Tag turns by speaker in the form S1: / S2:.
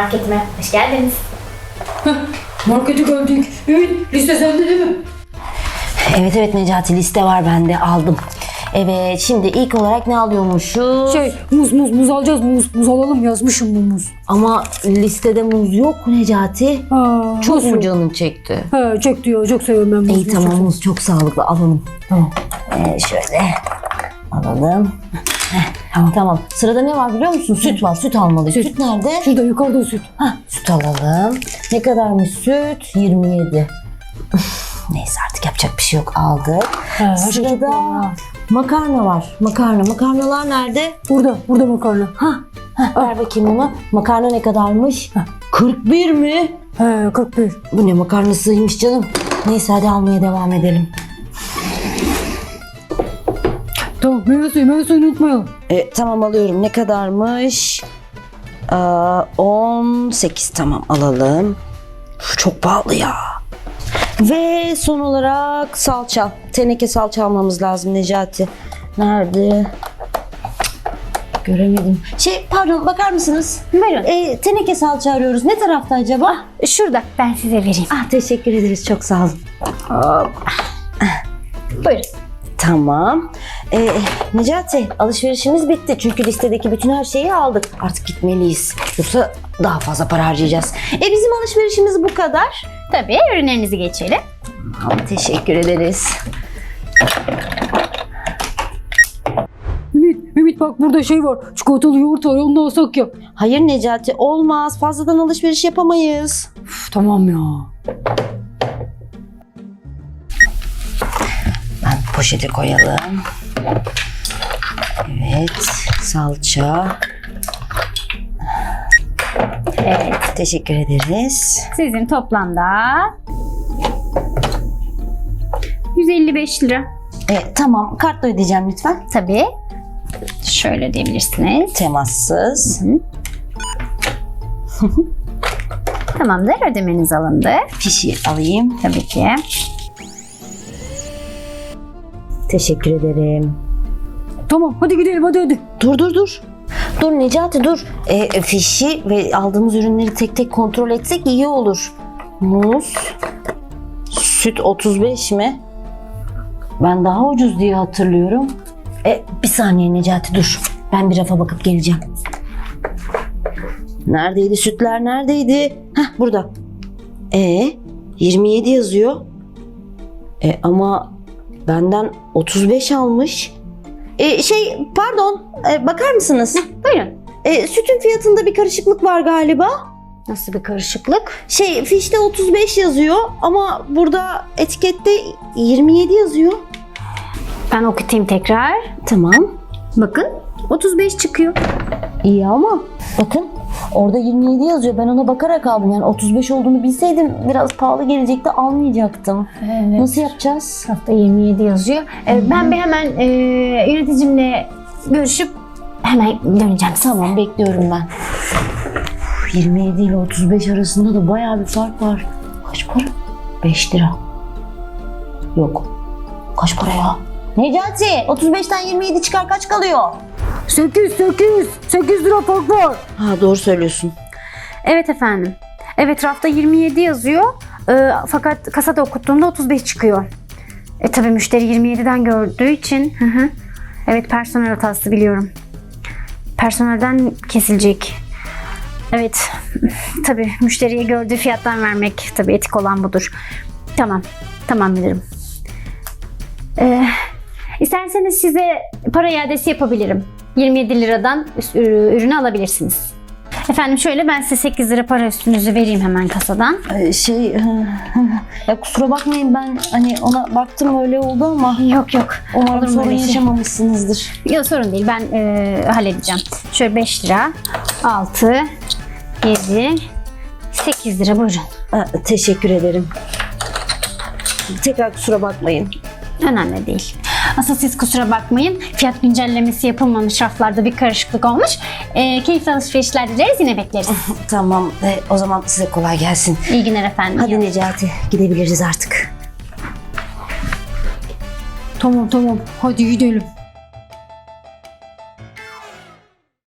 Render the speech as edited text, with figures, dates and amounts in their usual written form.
S1: marketime. Hoş geldiniz.
S2: Markete geldik. Ümit, liste sende değil mi?
S3: Evet Necati, liste var bende, aldım. Evet, şimdi ilk olarak ne alıyormuşuz?
S2: Muz alacağız. Muz alalım, yazmışım bu muz.
S3: Ama listede muz yok Necati. Çok
S2: nasıl
S3: mu
S2: yok?
S3: canın çekti?
S2: He, çekti ya. Çok seviyorum ben muzu.
S3: İyi tamam, muz çok sağlıklı, alalım.
S2: Tamam.
S3: Şöyle alalım. Tamam. Sırada ne var biliyor musun? Süt var. Süt almalıyız. Süt nerede?
S2: Şurada yukarıda süt.
S3: Süt alalım. Ne kadarmış süt? 27. Neyse artık yapacak bir şey yok. Aldık. Sırada makarna var. Makarnalar nerede?
S2: Burada makarna.
S3: Ver bakayım onu. Makarna ne kadarmış? 41 mi?
S2: He, 41.
S3: Bu ne makarnasıymış canım. Neyse hadi almaya devam edelim.
S2: Tamam, meyve suyunu unutmayalım.
S3: Tamam alıyorum. Ne kadarmış? 18 tamam alalım. Çok pahalı ya. Ve son olarak salça. Teneke salça almamız lazım Necati. Nerede? Göremedim. Pardon bakar mısınız?
S1: Buyurun.
S3: Teneke salça arıyoruz. Ne tarafta acaba?
S1: Şurada. Ben size vereyim.
S3: Teşekkür ederiz. Çok sağ olun.
S1: Buyurun.
S3: Tamam. Necati alışverişimiz bitti. Çünkü listedeki bütün her şeyi aldık. Artık gitmeliyiz. Yoksa daha fazla para harcayacağız. Bizim alışverişimiz bu kadar.
S1: Tabii ürünlerinizi geçelim.
S3: Tamam, teşekkür ederiz.
S2: Ümit bak burada şey var. Çikolatalı yoğurt var. Onu da alsak ya.
S3: Hayır Necati olmaz. Fazladan alışveriş yapamayız.
S2: Tamam ya.
S3: Poşete koyalım. Evet, salça.
S1: Evet.
S3: Teşekkür ederiz.
S1: Sizin toplamda 155 lira.
S3: Tamam, kartla ödeyeceğim lütfen.
S1: Tabii. Şöyle diyebilirsiniz.
S3: Temassız.
S1: Tamamdır. Ödemeniz alındı.
S3: Fişi alayım.
S1: Tabii ki.
S3: Teşekkür ederim.
S2: Tamam, hadi gidelim hadi.
S3: Dur. Dur Necati dur. Fişi ve aldığımız ürünleri tek tek kontrol etsek iyi olur. Muz. Süt 35 mi? Ben daha ucuz diye hatırlıyorum. Bir saniye Necati dur. Ben bir rafa bakıp geleceğim. Neredeydi sütler neredeydi? Burada. 27 yazıyor. Ama benden 35 almış. Pardon. Bakar mısınız?
S1: Buyurun.
S3: Sütün fiyatında bir karışıklık var galiba.
S1: Nasıl bir karışıklık?
S3: Fişte 35 yazıyor ama burada etikette 27 yazıyor.
S1: Ben okutayım tekrar.
S3: Tamam.
S1: Bakın 35 çıkıyor.
S3: İyi ama bakın orada 27 yazıyor. Ben ona bakarak aldım. Yani 35 olduğunu bilseydim biraz pahalı gelecekti, almayacaktım.
S1: Evet.
S3: Nasıl yapacağız?
S1: Hafta 27 yazıyor. Ben bir hemen yöneticimle görüşüp hemen döneceğim.
S3: Tamam bekliyorum ben. 27 ile 35 arasında da bayağı bir fark var. Kaç para? 5 lira. Yok. Kaç para ya? Necati 35'ten 27 çıkar kaç kalıyor?
S2: 8 lira fark var.
S3: Doğru söylüyorsun.
S1: Evet efendim. Evet rafta 27 yazıyor. Fakat kasada okuttuğumda 35 çıkıyor. Tabii müşteri 27'den gördüğü için. Evet personel hatası biliyorum. Personelden kesilecek. Evet. Tabii müşteriye gördüğü fiyattan vermek tabii etik olan budur. Tamam bilirim. İsterseniz size para iadesi yapabilirim. 27 liradan ürünü alabilirsiniz. Efendim şöyle ben size 8 lira para üstünüzü vereyim hemen kasadan.
S3: Ya kusura bakmayın ben ona baktım öyle oldu ama
S1: Yok.
S3: umarım
S1: Olur mu
S3: sorun
S1: öyle şey?
S3: yaşamamışsınızdır.
S1: Yok sorun değil ben halledeceğim. Şöyle 5 lira, 6, 7, 8 lira buyurun.
S3: Teşekkür ederim. Tekrar kusura bakmayın.
S1: Önemli değil. Asıl siz kusura bakmayın. Fiyat güncellemesi yapılmamış, raflarda bir karışıklık olmuş. Keyifli alışverişler dileriz, yine bekleriz.
S3: Tamam o zaman size kolay gelsin.
S1: İyi günler efendim.
S3: Hadi Necati gidebiliriz artık.
S2: Tamam hadi gidelim.